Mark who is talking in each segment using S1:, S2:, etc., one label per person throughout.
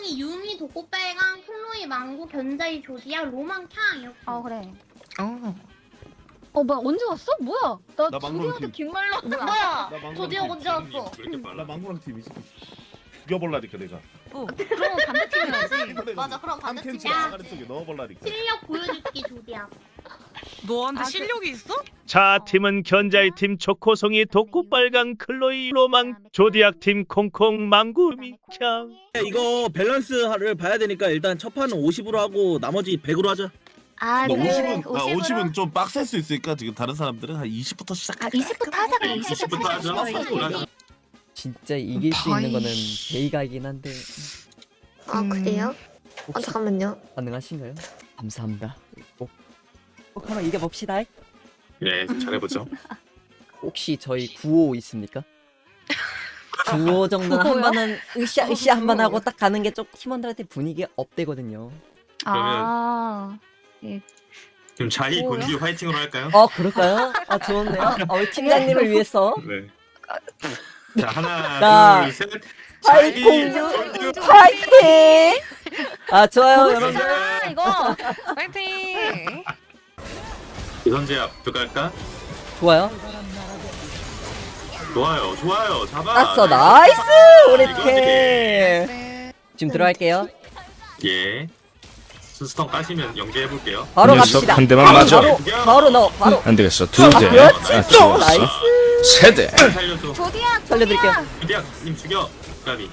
S1: 샤이, 유미, 독고빨강, 클로이, 망고, 견자이, 조디악, 로망, 캉 이렇게.
S2: 그래.
S3: 뭐야 언제 왔어? 뭐야? 나
S4: 나 망고랑
S3: 조디한테
S4: 팀.
S3: 긴말로
S1: 뭐야?
S4: 나 망고랑
S1: 조디악
S4: 팀.
S1: 언제 왔어?
S4: 나 망고랑 팀 있어. 죽여볼라니까 내가.
S3: 그럼 반대팀이야지.
S1: 맞아, 그럼
S4: 한 캔치
S1: 반대팀이야.
S4: 아가리 속에 넣어볼라니까.
S1: 실력 보여줄게, 조디악.
S5: 너한테 실력이 있어?
S6: 자 팀은 견자이 팀 초코송이 독고빨강 클로이 로망 조디악 팀 콩콩 망구 미캉.
S7: 이거 밸런스를 봐야 되니까 일단 첫 판은 50으로 하고 나머지 100으로 하자.
S4: 너 50은 50은 좀 빡셀 수 있으니까 지금 다른 사람들은 한 20부터 시작할까?
S2: 20부터 하자. 그래.
S7: 20부터 하자.
S8: 진짜 이길 수 있는 거는 베이가이긴 한데
S2: 그래요?
S8: 혹시
S2: 잠깐만요.
S8: 가능하신가요? 감사합니다. 꼭 한번 이겨봅시다.
S9: 네, 잘해보죠.
S8: 혹시 저희 9호 있습니까? 9호 정도는 한 번은 으쌰 한 번 하고 딱 가는 게 좀 팀원들한테 분위기 업되거든요.
S9: 그럼 자이 곤지 화이팅으로 할까요?
S8: 그럴까요? 좋은데요? 우리 팀장님을 위해서
S9: 네. 자, 하나,
S8: 자,
S9: 둘, 셋.
S8: 자이 공주 화이팅! 좋아요 여러분들.
S3: 이거.
S5: 파이팅!
S9: 이선제압 들어갈까?
S8: 좋아요.
S9: 좋아요, 좋아요. 잡아.
S8: 땄어. 나이스 우리 팀.
S5: 네.
S8: 지금 들어갈게요.
S9: 예. 스턴 까시면 연계해볼게요.
S8: 바로
S10: 녀석
S8: 갑시다.
S10: 한 대만 맞아.
S8: 바로 넣어. 바로.
S10: 안 되겠어. 두 대.
S8: 그렇지.
S10: 죽었어.
S8: 나이스.
S10: 세 대.
S9: 살려줘.
S8: 살려드릴게요.
S9: 유디악님 죽여. 까비.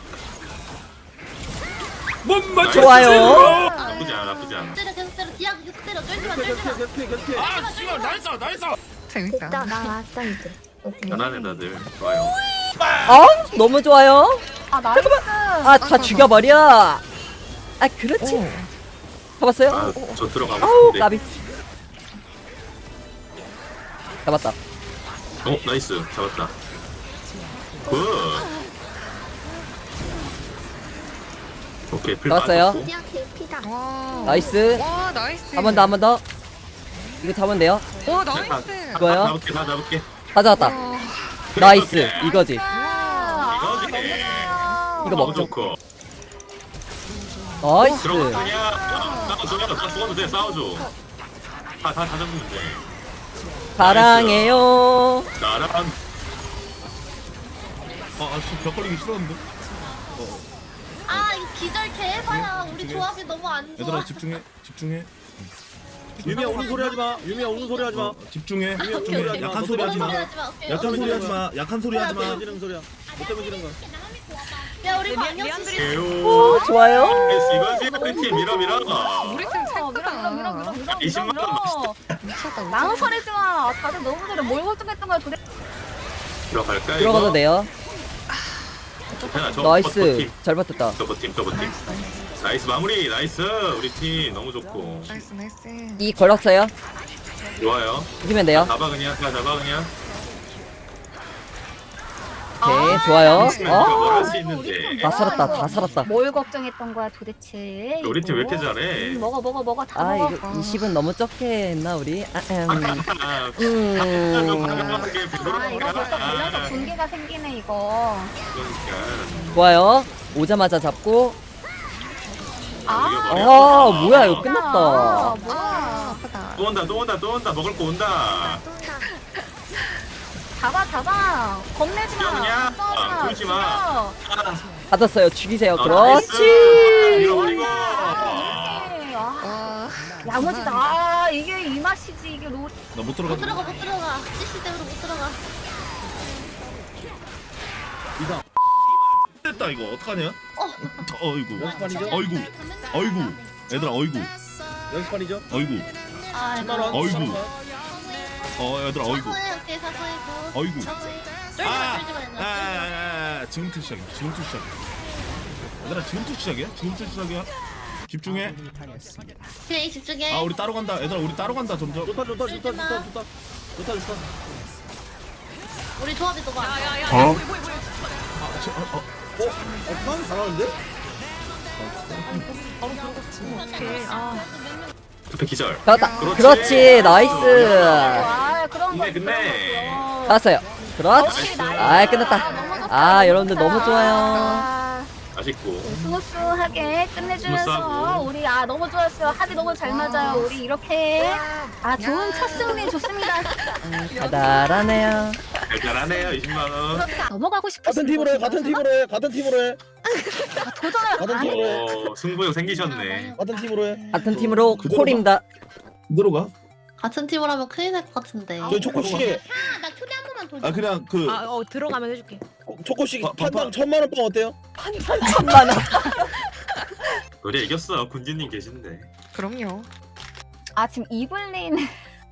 S8: 좋아요.
S9: 나쁘지 않아, 나쁘지 않아.
S1: 때려, 계속 때려. 디악 계속 때려. 쫄지 마, 쫄지 마.
S4: 아, 씨발 나이스 나이스.
S5: 재밌다.
S2: 나 왔어 이제.
S9: 잘하네 다들. 좋아요.
S8: 너무 좋아요.
S3: 나이스.
S8: 다 죽여버려. 그렇지. 잡았어요?
S9: 아, 저 들어가고
S8: 아우
S9: 싶은데.
S8: 까비. 잡았다.
S9: 나이스. 잡았다. 굿. 오케이, 풀
S8: 나왔어요.
S9: 맞았고.
S2: 조디악 개피다.
S5: 와.
S8: 나이스.
S5: 와, 나이스.
S8: 한 번 더 한 번 더. 이거 잡으면 돼요.
S5: 와, 나이스.
S8: 이거요?
S9: 잡을게, 다 잡을게.
S8: 다 잡았다.
S5: 와.
S8: 나이스. 이거지.
S9: 이거지.
S8: 이거
S9: 너무
S8: 먹죠.
S9: 좋고.
S8: 나이스.
S9: 들어가 그냥 싸워줘. 다 죽어도 돼. 싸워줘. 다 잡으면 돼.
S8: 사랑해요.
S9: 나랑
S4: 벽 걸리기 싫었는데.
S1: 이거 기절 개해봐야. 우리 조합이 너무 안 좋아.
S4: 얘들아 집중해.
S7: 유미야 우는 소리 하지 마. 유미야 우는 소리 하지 마.
S4: 집중해.
S7: 오케이.
S4: 약한 소리 하지 마.
S1: 오케이.
S4: 약한 소리 하지 마. 약한 소리 하지 마.
S7: 지르는 소리야. 못 때문에 지르는 거.
S1: 야, 우리 방역 씨.
S9: 개요.
S8: 좋아요.
S9: 이거지 우리 팀 밀어.
S5: 우리 팀 찰크다.
S9: 20만 원 맛있다.
S5: 미쳤다.
S3: 망설이지 마. 다들 너무 잘해. 뭘 걱정했던 거야 도대체.
S9: 들어갈까?
S8: 들어가도 돼요. 나이스. 잘 버텼다.
S9: 저버팀. 나이스 마무리. 나이스. 우리 팀 너무 좋고.
S5: 나이스, 나이스.
S8: 이 걸었어요.
S9: 좋아요.
S8: 이기면 돼요.
S9: 잡아 그냥.
S8: 오케이 좋아요.
S9: 뭘할수 있는데.
S8: 다 살았다. 다 살았다.
S3: 뭘 걱정했던 거야 도대체.
S9: 우리 팀 왜 이렇게 잘해?
S3: 먹어 다 먹어.
S8: 이거 20은 너무 적게 했나 우리?
S9: 아,
S3: 이거 벌써 걸려서 분기가 생기네 이거.
S8: 좋아요. 오자마자 잡고. 뭐야 이거 끝났다.
S3: 뭐야.
S5: 아프다.
S9: 또 온다. 먹을 거 온다.
S3: 잡아. 겁내지 마.
S9: 그냥 굴지 마.
S8: 받았어요. 죽이세요.
S9: 나이스.
S8: 그렇지.
S9: 밀어버리고.
S5: 와.
S3: 야무지다. 이게 이 맛이지 이게 로.
S4: 나 못
S1: 못
S4: 들어가.
S1: 들어가. CC 때문에 못 들어가.
S4: 됐다 이거 어떡하냐? 어이구.
S7: 연습판이죠?
S4: 어이구. 얘들아 어이구.
S7: 연습판이죠?
S4: 어이구. 어이구. 얘들아 어이구.
S1: 오케이, 사소해고.
S4: 어이구.
S1: 쫄지 마.
S4: 지금부터 시작이야. 얘들아 지금부터 시작이야. 집중해.
S1: 그냥 집중해.
S4: 우리 따로 간다. 얘들아 우리 따로 간다 점점.
S7: 좋다.
S1: 우리 조합이 너무 안 좋아.
S7: 난 잘하는데?
S9: 투표 기절.
S8: 잡았다.
S9: 그렇지.
S8: 그렇지. 나이스.
S3: 그런 거.
S9: 끝내.
S8: 받았어요. 그렇지. 끝났다. 여러분들 너무 좋아요.
S9: 맛있고.
S3: 스무스하게 끝내주면서
S9: 스무스하고.
S3: 우리 너무 좋았어요. 합이 너무 잘 맞아요. 우리 이렇게 좋은 첫 승리 좋습니다.
S8: 달달하네요.
S9: 잘하네요 20만 원.
S3: 넘어가고 싶으신
S7: 같은 팀으로 해. 같은 팀으로 해. 같은 팀으로 해.
S3: 도전을
S7: 같은 팀으로 해.
S9: 승부욕 생기셨네.
S7: 같은 팀으로 해.
S8: 같은 팀으로
S4: 그대로
S8: 콜입니다.
S4: 그대로 가.
S2: 같은 팀으로 하면 큰일 날 것 같은데.
S7: 저 초코 씨,
S1: 나 초대 한 번만 더 줘.
S4: 아 그냥 그
S2: 들어가면 해줄게.
S7: 초코 씨
S4: 바-
S7: 판당 1000만 원 빵 어때요?
S8: 1000만 원.
S9: 우리 이겼어. 군진님 계신데.
S5: 그럼요.
S3: 지금 이블린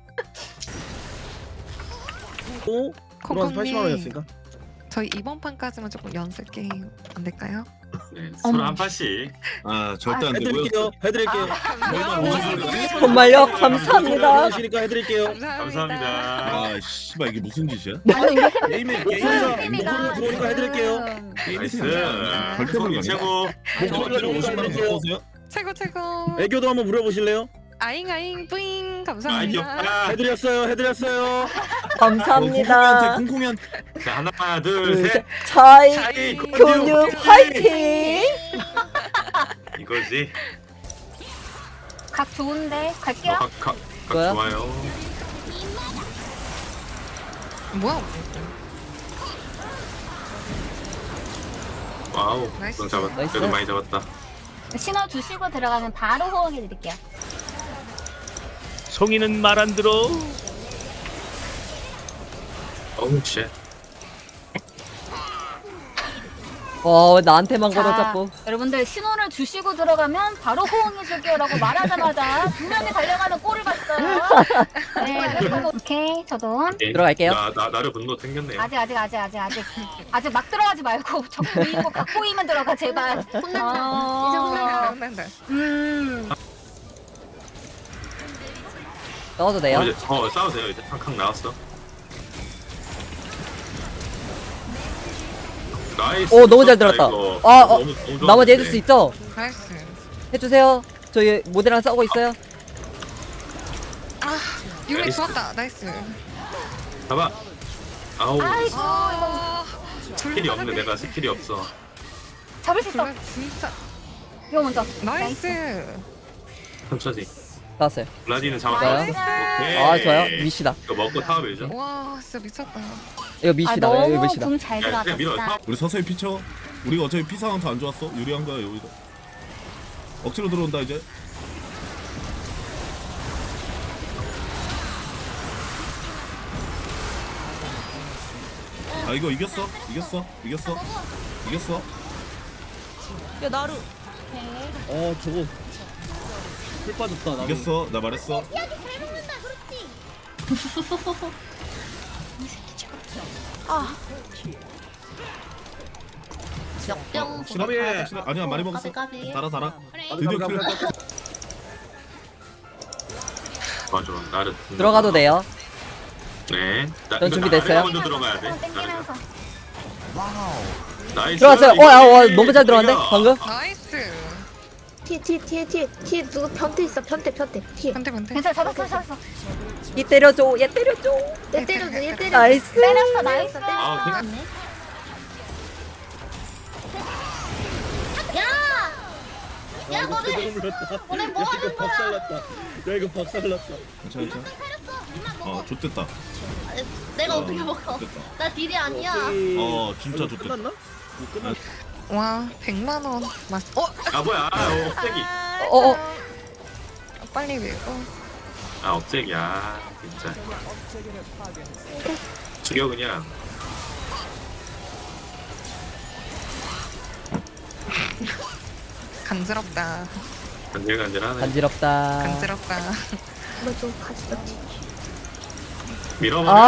S7: 또 들어와서 80만
S5: 콩콩님.
S7: 원이었으니까.
S5: 저희 이번 판까지만 조금 연습 게임 안 될까요?
S9: 네, 서로 한 판씩.
S4: 아 절대 안 되고요.
S7: 해드릴게요. 해드릴게요.
S8: 정말요? 감사합니다.
S7: 그러시니까 해드릴게요.
S9: 감사합니다.
S4: 아 씨발 이게 무슨 짓이야? 게임에
S7: 목소리가
S4: 게임에
S7: 들어오니까 해드릴게요.
S9: 나이스.
S4: 절대
S9: 콩콩님 최고.
S4: 목소리로 50만 원 갖고 오세요.
S5: 최고 최고.
S7: 애교도 한번 부려보실래요?
S5: 아잉 뿌잉
S9: 아
S5: 감사합니다.
S9: 귀엽다.
S7: 해드렸어요.
S8: 감사합니다.
S4: 콩콩이한테
S9: 자 하나 둘 셋.
S8: 차이
S9: 차이
S8: 근육 화이팅.
S9: 이거지.
S3: 각 좋은데 갈게요.
S9: 각
S8: 뭐야?
S9: 좋아요.
S5: 뭐야?
S9: 와우.
S5: 나이스.
S9: 넌 잡았다.
S8: 나이스.
S9: 그래도 많이 잡았다.
S3: 신호 주시고 들어가면 바로 호응해 드릴게요.
S6: 송이는 말 안 들어.
S9: 어우 쉣.
S8: 왜 나한테만 걸어잡고.
S3: 여러분들 신호를 주시고 들어가면 바로 호응해 줄게요라고 말하자마자 두 명이 달려가는 꼴을 봤어요. 네, 오케이 저도
S8: 들어갈게요.
S9: 나를 분노 생겼네요.
S3: 아직 막 들어가지 말고 저 보이고 각 보이면 들어가 제발. 혼난다.
S5: 혼난다.
S8: 넣어도 돼요?
S9: 이제 싸우세요 이제. 칸칸 나왔어. 나이스.
S8: 너무 잘 들었다.
S9: 이거. 너무 좋았는데.
S8: 나머지 해줄 수 있죠?
S5: 나이스.
S8: 해주세요. 저희 모델랑 싸우고 있어요.
S5: 유리
S9: 나이스.
S5: 좋았다. 나이스.
S9: 잡아. 아우.
S3: 아이고 이거
S9: 스킬이 없네. 내가 스킬이 없어.
S3: 잡을 수 있어.
S5: 정말 진짜
S3: 이거 먼저.
S5: 나이스.
S9: 천천히.
S8: 나왔어요.
S9: 블라디는 잡았다.
S8: 좋아요.
S9: 오케이.
S8: 좋아요. 미시다.
S9: 이거 먹고 타워 밀죠.
S5: 와 진짜 미쳤다.
S8: 이거 미시다. 이거
S3: 너무
S8: 미시다.
S3: 궁 잘
S9: 야, 그냥 밀어.
S3: 들어갔다.
S9: 타워.
S4: 우리 서서히 피쳐. 우리가 어차피 피 상황 더 안 좋았어. 유리한 거야 여기가. 억지로 들어온다 이제. 아 이거 이겼어.
S7: 저거 풀 빠졌다. 나도.
S4: 이겼어. 나 말했어.
S1: 잘 먹는다. 그렇지.
S2: 역병.
S4: 싫어? 아니야 많이 먹었어.
S2: 까비.
S4: 달아.
S1: 그래.
S4: 드디어 클.
S9: 맞아. 나를.
S8: 들어가도 돼요.
S9: 네.
S8: 전 준비됐어요.
S9: 먼저 들어가야 돼.
S3: 땡기면서.
S9: 나이스.
S8: 들어갔어요.
S9: 이거지.
S8: 너무 잘 들어갔네.
S9: 이거.
S8: 방금.
S5: 나이스.
S2: 뒤에 누구 변태 있어. 변태. 뒤에.
S5: 번대 번대.
S3: 괜찮아 잡았어.
S8: 얘 때려줘. 얘
S2: 때려줘. 얘 때려.
S8: 나이스.
S3: 때렸어 나이스.
S9: 아,
S1: 야 너네
S7: 너네
S1: 뭐 하는
S7: 이거 박살났다. 야 이거 박살났다.
S4: 괜찮아. 좋댔다.
S2: 내가 어떻게 먹어?
S4: 좋댔다.
S2: 나 딜이 아니야.
S4: 진짜 좋댔다.
S7: 끝났나? 뭐 끝났.
S5: 와 100만 원. 맞.
S9: 아 뭐야? 억제기.
S5: 빨리 밀고.
S9: 억제기야. 진짜. 죽여 그냥.
S5: 간지럽다.
S9: 간질간질하네.
S8: 간지럽다.
S5: 간지럽다.
S2: 너좀 가지다.
S9: 밀어버려.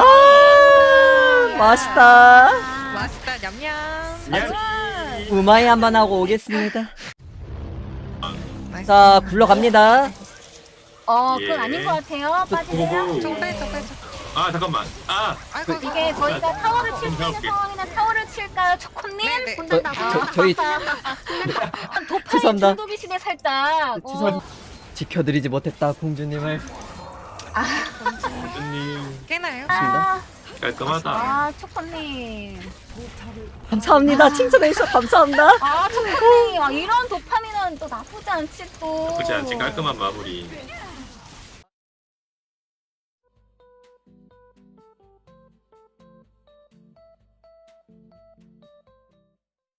S8: 맛있다.
S5: 맛있다 냠냠.
S8: 우마이 한번 하고 오겠습니다.
S5: 나이스.
S8: 자 굴러갑니다.
S3: 그건 아닌 것 같아요. 빠지세요.
S5: 좀 빼줘.
S9: 아 잠깐만.
S5: 아이고
S3: 이게 저희가 타워를 칠 수 있는
S9: 해볼게.
S3: 상황이면 타워를 칠까요, 초코님?
S5: 네네.
S8: 저희
S3: 도파의
S8: 죄송합니다.
S3: 중독이시네 살짝.
S8: 죄송 지켜드리지 못했다 공주님을.
S9: 선생님
S5: 깨나요?
S8: 좋습니다.
S9: 깔끔하다.
S3: 초코님.
S8: 감사합니다. 칭찬해 주셔서 감사합니다.
S3: 아, 초코님. 아, 이런 도파민은 또 나쁘지 않지 또.
S9: 그렇지 않지 깔끔한 마무리.